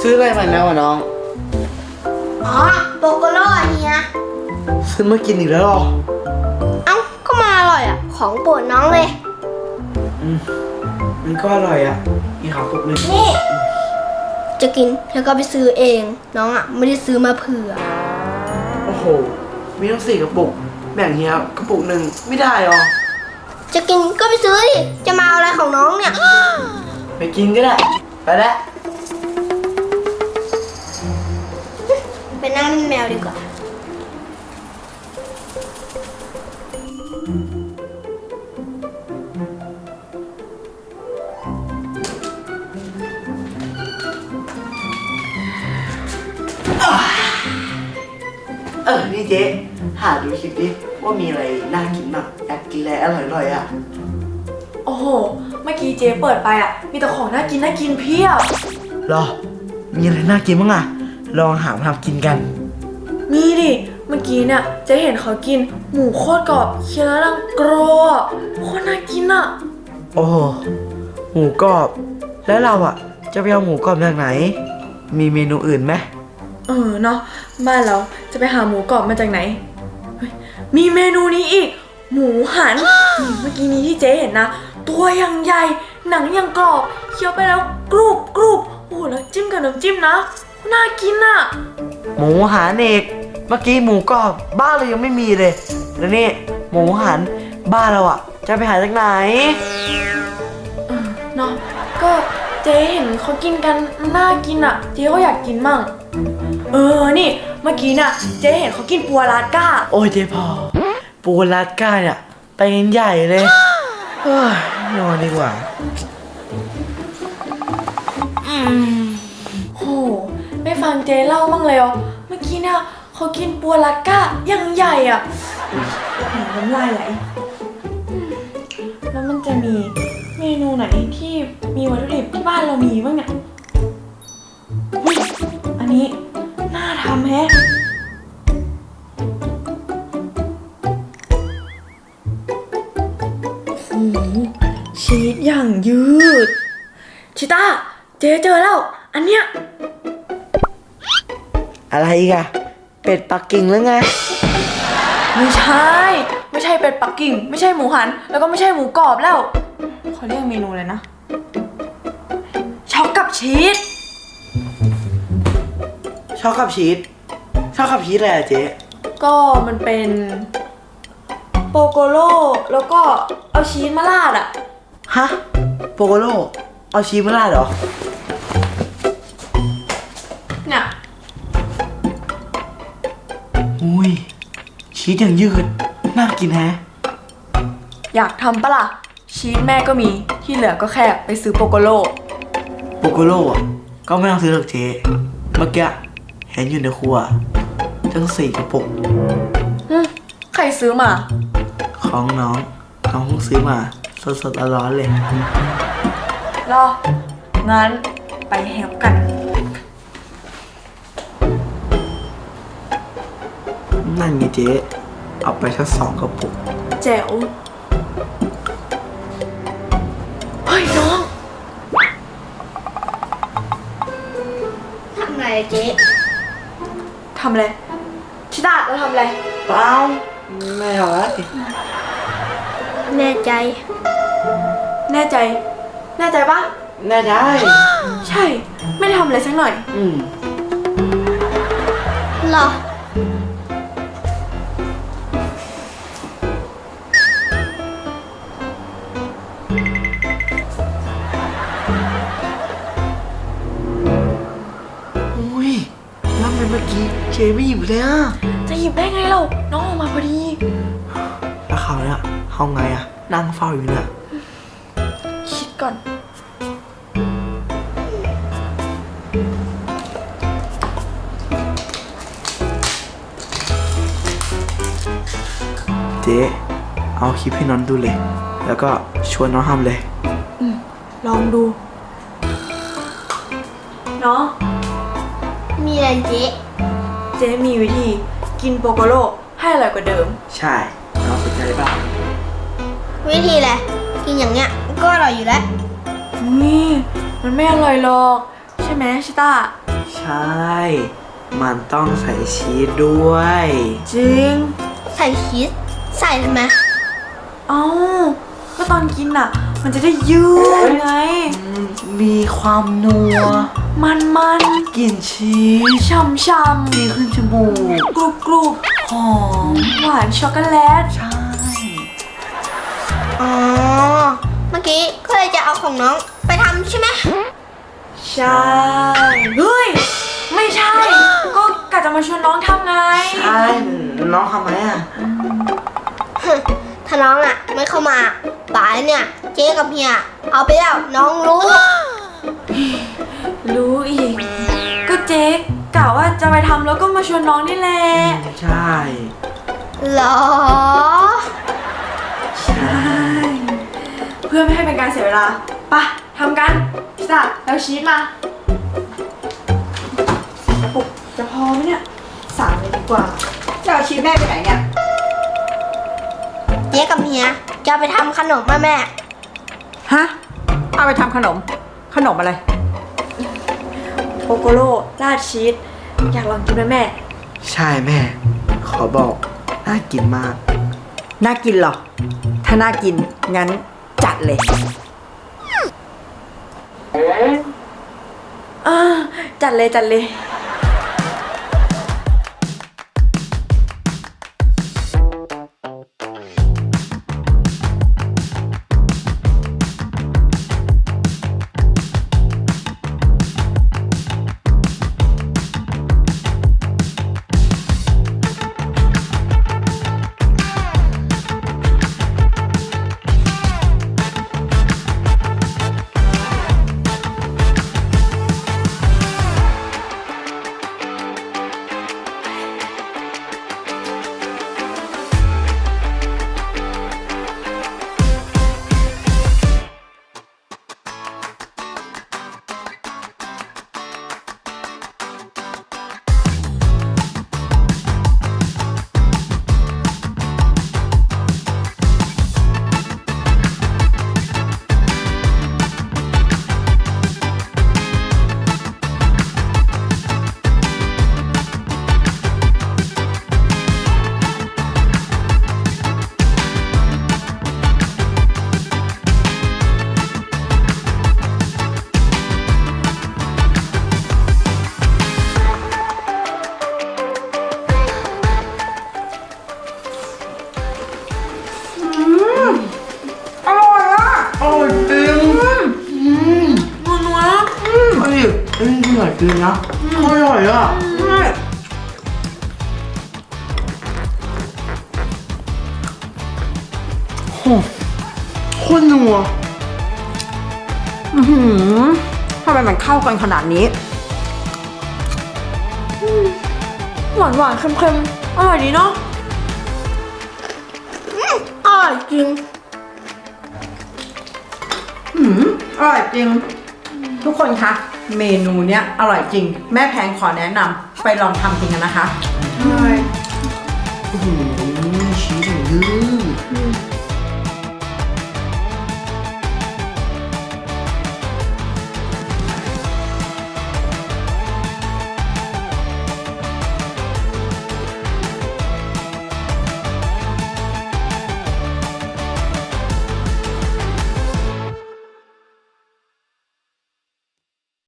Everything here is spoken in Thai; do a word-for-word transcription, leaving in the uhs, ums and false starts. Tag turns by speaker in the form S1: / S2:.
S1: ซื้ออะไรมาแล้ววะน้อง
S2: อ๋อโปโกโร่เฮีย
S1: ซื้อมากินอีกแล้วหรอ
S2: เอ้าก็มาอร่อยอ่ะของโปรดน้องเลย
S1: อืมมันก็อร่อยอ่ะอีกขาปุกเลย
S2: นี่จะกินแล้วก็ไปซื้อเองน้องอ่ะไม่ได้ซื้อมาเผื่อ
S1: โอ้โหมีทั้งสี่กระปุกแบ่งเฮียกระปุกหนึ่งไม่ได้หรอ
S2: จะกินก็ไปซื้อดิจะมาเอาอะไรของน้องเนี่ย
S1: ไปกินก็ได้ไปแล้ว
S2: ไปนั่งเล่นแมวดีกว่า
S1: เออนี่เจ๊หาดูคลิปดิว่ามีอะไรน่ากินบ้างอยากกินอะไรอร่อยๆอ่ะ
S3: โอ้โหเมื่อกี้เจ๊เปิดไปอ่ะมีแต่ของน่ากินน่ากินเพียบ
S1: หรอมีอะไรน่ากินบ้างอ่ะลองหามาทำกินกัน
S3: มีดิเมื่อกี้เนี่ยเจ๊เห็นเขากินหมูโคตรกรอบเคี้ยวแล้วดังกรอบโคตรน่ากินอ่ะ
S1: โอ้โหหมูกรอบแล้วเราอ่ะจะไปเอาหมูกรอบจากไหนมีเมนูอื่นไหม
S3: เออเนาะบ้านเราจะไปหาหมูกรอบมาจากไหนมีเมนูนี้อีกหมูหัน เมื่อกี้นี้ที่เจ๊เห็นนะตัวยังใหญ่หนังยังกรอบเคี้ยวไปแล้วกรุบกรุบโอ้แล้วจิ้มกับน้ำจิ้มนะน่ากินอ่ะ
S1: หมูหันเอกเมื่อกี้หมูกรอบบ้านเรายังไม่มีเลยแล้วนี่หมูหันบ้านเราอ่ะจะไปหาจากไหน
S3: เออเนาะก็เจ๊เห็นเขากินกันน่ากินอ่ะเจ๊ก็อยากกินมั่งเออนี่เมื่อกี้น่ะเจ๊เห็นเขากินปัวลาดก้า
S1: โอ้ยเจ๊พอปูลาดก้าเนี่ยไปกันใหญ่เลยเฮ้ยนอนดีกว่า
S3: อืมโหไม่ฟังเจ๊เล่ามั่งเลยอ๋อเมื่อกี้เนี่ยเขากินปัวลาดก้ายังใหญ่อ่ะน้ำลายไหลแล้วมันจะมีเมนูไหนที่มีวัตถุดิบที่บ้านเรามีบ้างเนี่ยอันนี้น่าทำแฮะโอ้โหชีสอย่างยืดชิต้าเจ๊เจอแล้วอันเนี้ย
S1: อะไรอีกอะเป็ดปักกิ่งหรือไง
S3: ไม่ใช่ไม่ใช่เป็ดปักกิ่งไม่ใช่หมูหันแล้วก็ไม่ใช่หมูกรอบแล้วเขาเรียกเมนูอะไรนะช็อกกับชีส
S1: ช็อกกับชีสช็อกกับชีสอะไรอะเจ๊
S3: ก็มันเป็นโปโกโร่แล้วก็เอาชีสมาราดอะ
S1: ฮะโปโกโร่เอาชีสมาราดเหรอ
S3: เนี่ย
S1: อุ้ยชีสอย่างยืดน่ากินแฮะ
S3: อยากทำปะล่ะชีสแม่ก็มีที่เหลือก็แค่ไปซื้อโปโกโร่
S1: โปโกโร่อะก็ไม่ต้องซื้อหรอกเจ๊เมื่อกี้เห็นอยู่ในครัวทั้งสี่กระปุก
S3: ใครซื้อมา
S1: ของน้องน้องเพิ่งซื้อมาสดๆร้อนๆเลย
S3: รองั้นไปแฮปกัน
S1: นั่นไงเจ๊เอาไปสักสองกระปุก
S3: แจ๋วเฮ้ยน้อง
S2: ทำอะไรเจ๊
S3: ทำอะไรชิต้าเราทำอะไร
S1: เปล่าไม่ทำอะไร
S2: แน่ใจ
S3: แน่ใจแน่ใจปะ
S1: แน่ใจ
S3: ใช่ไม่ได้ทำอะไรสักหน่อย
S1: อืม
S2: หรอ
S1: อุ้ยแล้วเมื่อกี้เจไม่หยิบเลยอ่ะ
S3: จะหยิบได้ไงเราน้องออกมาพอดี
S1: แล้วเขาเนี่ยเขาไงอ่ะนั่งเฝ้าอยู่เนี่ย
S3: คิดก่อน
S1: เจ๊เอาคลิปให้น้องดูเลยแล้วก็ชวนน้องทำเลย
S3: อืมลองดูเนาะ
S2: มีอะไรเจ๊
S3: เจ๊มีวิธีกินโปโกโร่ให้อร่อยกว่าเดิม
S1: ใช่น้องสนใจป่ะ
S2: วิธีแหละกินอย่างเงี้ยก็อร่อยอยู่แล้ว
S3: นี่มันไม่อร่อยหรอกใช่ไหมชิต้า
S1: มันต้องใส่ชีสด้วย
S3: จริง
S2: ใส่ชีสใส่ทำไม
S3: เอ้าก็ตอนกินอ่ะ มันจะได้ยืดไง
S1: มีความนัว
S3: มันมัน
S1: กลิ่นชีส
S3: ช่ำช่
S1: ดีขึ้นจมูก
S3: ำกรุบกรุบ
S1: หอม
S3: หวานช็อกโกแลต
S1: ใช่
S2: อ๋อ เมื่อกี้ก็เลยจะเอาของน้องไปทำใช่ไหม
S3: ใช่ เฮ้ย ไม่ใช่ ก็กะจะมาชวนน้องทำไง
S1: ใช่น้องทำไหมอ่ะ
S2: ถ้าน้องอ่ะไม่เข้ามาป่านเนี่ยเจ๊กับเฮียเอาไปแล้วน้องรู้
S3: รู้อีก ก็เจ๊กะว่าจะไปทำแล้วก็มาชวนน้องนี่แหละ
S1: ใช่
S2: เหรอ
S1: ใช่
S3: เพื่อไม่ให้เป็นการเสียเวลาไปะทำกันพิซซ่าแล้วชีสมาปุกจะพอไหมเนี่ยสามเลยดีกว่า
S4: จะเอาชีสแม่ไปไหนเนี่ย
S2: เจ๊กับเฮียจะไปทำขนมแม่แม่
S4: ฮะ เอาไปทำขนม ขนมอะไร
S3: โปโกโลราดชีสอยากลองกินไหมแม่
S1: ใช่แม่ ขอบอก น่ากินมาก
S4: น่ากินเหรอ ถ้าน่ากิน งั้นจัดเลย
S3: อ่าจัดเลยจัดเลย
S1: อร่อยจริง
S3: นัวนัว
S1: เฮ้ยเอ้ยอร่อยจริงนะอร่อยอ่ะโหโคตรนัว
S4: อือหือทำไมมันเข้ากันขนาดนี้
S3: หวานหวานๆเค็มๆอร่อยดีเนาะ
S2: อร่อยจริง
S4: อืมอร่อยจริง ทุกคนคะ เมนูเนี้ยอร่อยจริง แม่แพงขอแนะนำไปลองทำจริงกันนะคะ
S3: ใช่
S1: อื้อหือชีสอย่างยืด